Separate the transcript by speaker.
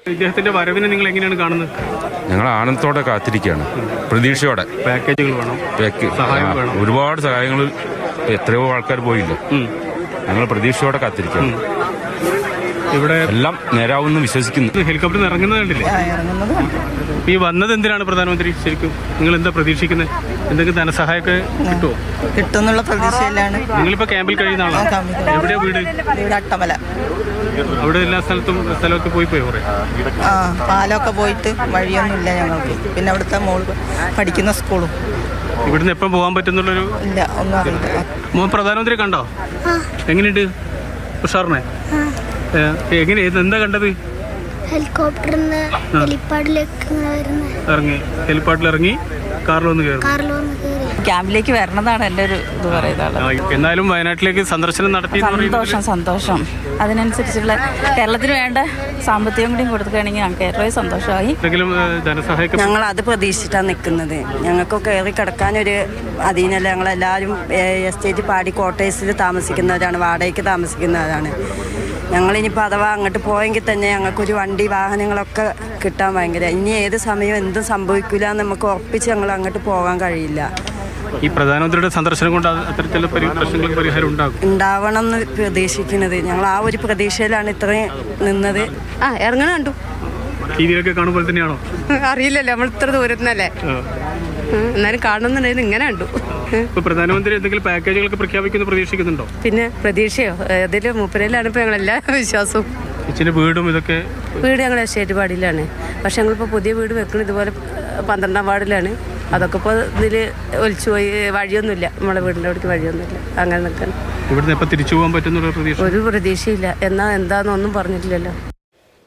Speaker 1: ഇദ്ദേഹത്തിന്റെ വരവിനെ നിങ്ങൾ എങ്ങനെയാണ് കാണുന്നത്?
Speaker 2: ഞങ്ങൾ ആനന്ദത്തോടെ കാത്തിരിക്കുകയാണ്, പ്രതീക്ഷയോടെ.
Speaker 1: പാക്കേജുകൾ വേണം, സഹായം വേണം,
Speaker 2: ഒരുപാട് സഹായങ്ങൾ, എത്രയോ ആൾക്കാർ പോയില്ല. ഞങ്ങൾ പ്രതീക്ഷയോടെ കാത്തിരിക്കുകയാണ്.
Speaker 1: ഇവിടെ
Speaker 2: എല്ലാം നേരാവുമെന്ന് വിശ്വസിക്കുന്നു.
Speaker 1: ഹെലികോപ്റ്ററിൽ ഇറങ്ങുന്നത് കണ്ടില്ലേ? ഈ വന്നത് എന്തിനാണ് പ്രധാനമന്ത്രി? ശരിക്കും നിങ്ങൾ എന്താ പ്രതീക്ഷിക്കുന്നത്? എന്തെങ്കിലും ധനസഹായമൊക്കെ കിട്ടുമോ?
Speaker 3: കിട്ടുമെന്നുള്ള പ്രതീക്ഷയിലാണ്.
Speaker 1: നിങ്ങളിപ്പോ ക്യാമ്പിൽ കഴിയുന്ന ആളാണ്. എവിടെയാ വീട്?
Speaker 3: അട്ടമല.
Speaker 1: അവിടെ എല്ലാ സ്ഥലമൊക്കെ പോയി കുറെ
Speaker 3: പാലമൊക്കെ പോയിട്ട് വഴിയൊന്നുമില്ല ഞങ്ങൾക്ക്. പിന്നെ അവിടുത്തെ മോള് പഠിക്കുന്ന സ്കൂളും.
Speaker 1: ഇവിടുന്ന് എപ്പം പോകാൻ പറ്റുന്നുള്ളൊരു
Speaker 3: ഇല്ല, ഒന്നും അറിയില്ല.
Speaker 1: പ്രധാനമന്ത്രി കണ്ടോ? എങ്ങനെയുണ്ട്? ഉഷാറിനെ എങ്ങനെ എന്താ കണ്ടത്?
Speaker 4: ഹെലികോപ്റ്ററിന്ന്
Speaker 1: ഇറങ്ങി, ഹെലിപ്പാഡിൽ ഇറങ്ങി കാറിലൊന്ന് കയറി.
Speaker 5: ക്യാമ്പിലേക്ക് വരണതാണ് എൻ്റെ ഒരു ഇത് പറയുന്നത്.
Speaker 1: എന്നാലും വയനാട്ടിലേക്ക് സന്ദർശനം നടത്തി.
Speaker 5: സന്തോഷം. അതിനനുസരിച്ചുള്ള കേരളത്തിന് വേണ്ട സാമ്പത്തികം കൂടി കൊടുക്കുകയാണെങ്കിൽ ഞങ്ങൾക്ക് ഏറ്റവും സന്തോഷമായി.
Speaker 1: ധനസഹായം
Speaker 3: ഞങ്ങൾ അത് പ്രതീക്ഷിച്ചിട്ടാണ് നിൽക്കുന്നത്. ഞങ്ങൾക്ക് കയറി കിടക്കാനൊരു അധീനല്ല. ഞങ്ങളെല്ലാവരും എസ്റ്റേറ്റ് പാടി ക്വാർട്ടേഴ്സിൽ താമസിക്കുന്നവരാണ്, വാടകയ്ക്ക് താമസിക്കുന്നവരാണ്. ഞങ്ങളിനിപ്പോൾ അഥവാ അങ്ങോട്ട് പോയെങ്കിൽ തന്നെ ഞങ്ങൾക്കൊരു വണ്ടി വാഹനങ്ങളൊക്കെ കിട്ടാൻ ഭയങ്കര, ഇനി ഏത് സമയം എന്തും സംഭവിക്കില്ല എന്ന് നമുക്ക് ഉറപ്പിച്ച് ഞങ്ങൾ അങ്ങോട്ട് പോകാൻ കഴിയില്ല.
Speaker 1: ഈ പ്രധാനമന്ത്രിയുടെ സന്ദർശനം കൊണ്ട് അത്തരത്തിലുള്ള പ്രശ്നങ്ങൾക്ക് പരിഹാരം
Speaker 3: ഉണ്ടാവണം എന്ന് പ്രതീക്ഷിക്കുന്നത്. ഞങ്ങൾ ആ ഒരു പ്രതീക്ഷയിലാണ് ഇത്രയും നിന്നത്. ഇറങ്ങണ കണ്ടു.
Speaker 1: ടിവിയിലൊക്കെ കാണുമ്പോൾ തന്നെയാണോ?
Speaker 3: അറിയില്ലല്ലോ, നമ്മൾ ഇത്ര ദൂരത്തുനിന്നല്ലേ. എന്നാലും കാണുന്നുണ്ടായിരുന്നു, ഇങ്ങനെ കണ്ടു.
Speaker 1: പ്രധാനമന്ത്രി എന്തെങ്കിലും പാക്കേജുകളൊക്കെ പ്രഖ്യാപിക്കുന്നു പ്രതീക്ഷിക്കുന്നുണ്ടോ?
Speaker 3: പിന്നെ പ്രതീക്ഷയോ? അതിൽ മൂപ്പരയിലാണ് ഇപ്പോൾ ഞങ്ങളെല്ലാ വിശ്വാസവും.
Speaker 1: വീടും ഇതൊക്കെ
Speaker 3: വീട് ഞങ്ങൾ എസ്റ്റേറ്റ് പാടിയിലാണ്. പക്ഷെ ഞങ്ങളിപ്പോൾ പുതിയ വീട് വെക്കുന്നത് ഇതുപോലെ 12ാം വാർഡിലാണ്. അതൊക്കെ ഇപ്പോൾ ഇതിൽ ഒലിച്ചു പോയി. വഴിയൊന്നുമില്ല, നമ്മളെ വീടിൻ്റെ അവിടേക്ക് വഴിയൊന്നുമില്ല. അങ്ങനെ നിൽക്കണം.
Speaker 1: ഇവിടുന്ന് എപ്പോൾ തിരിച്ചു പോകാൻ പറ്റുന്നുള്ള പ്രതീക്ഷ?
Speaker 3: ഒരു പ്രതീക്ഷയില്ല. എന്നാൽ എന്താണെന്നൊന്നും പറഞ്ഞിട്ടില്ലല്ലോ.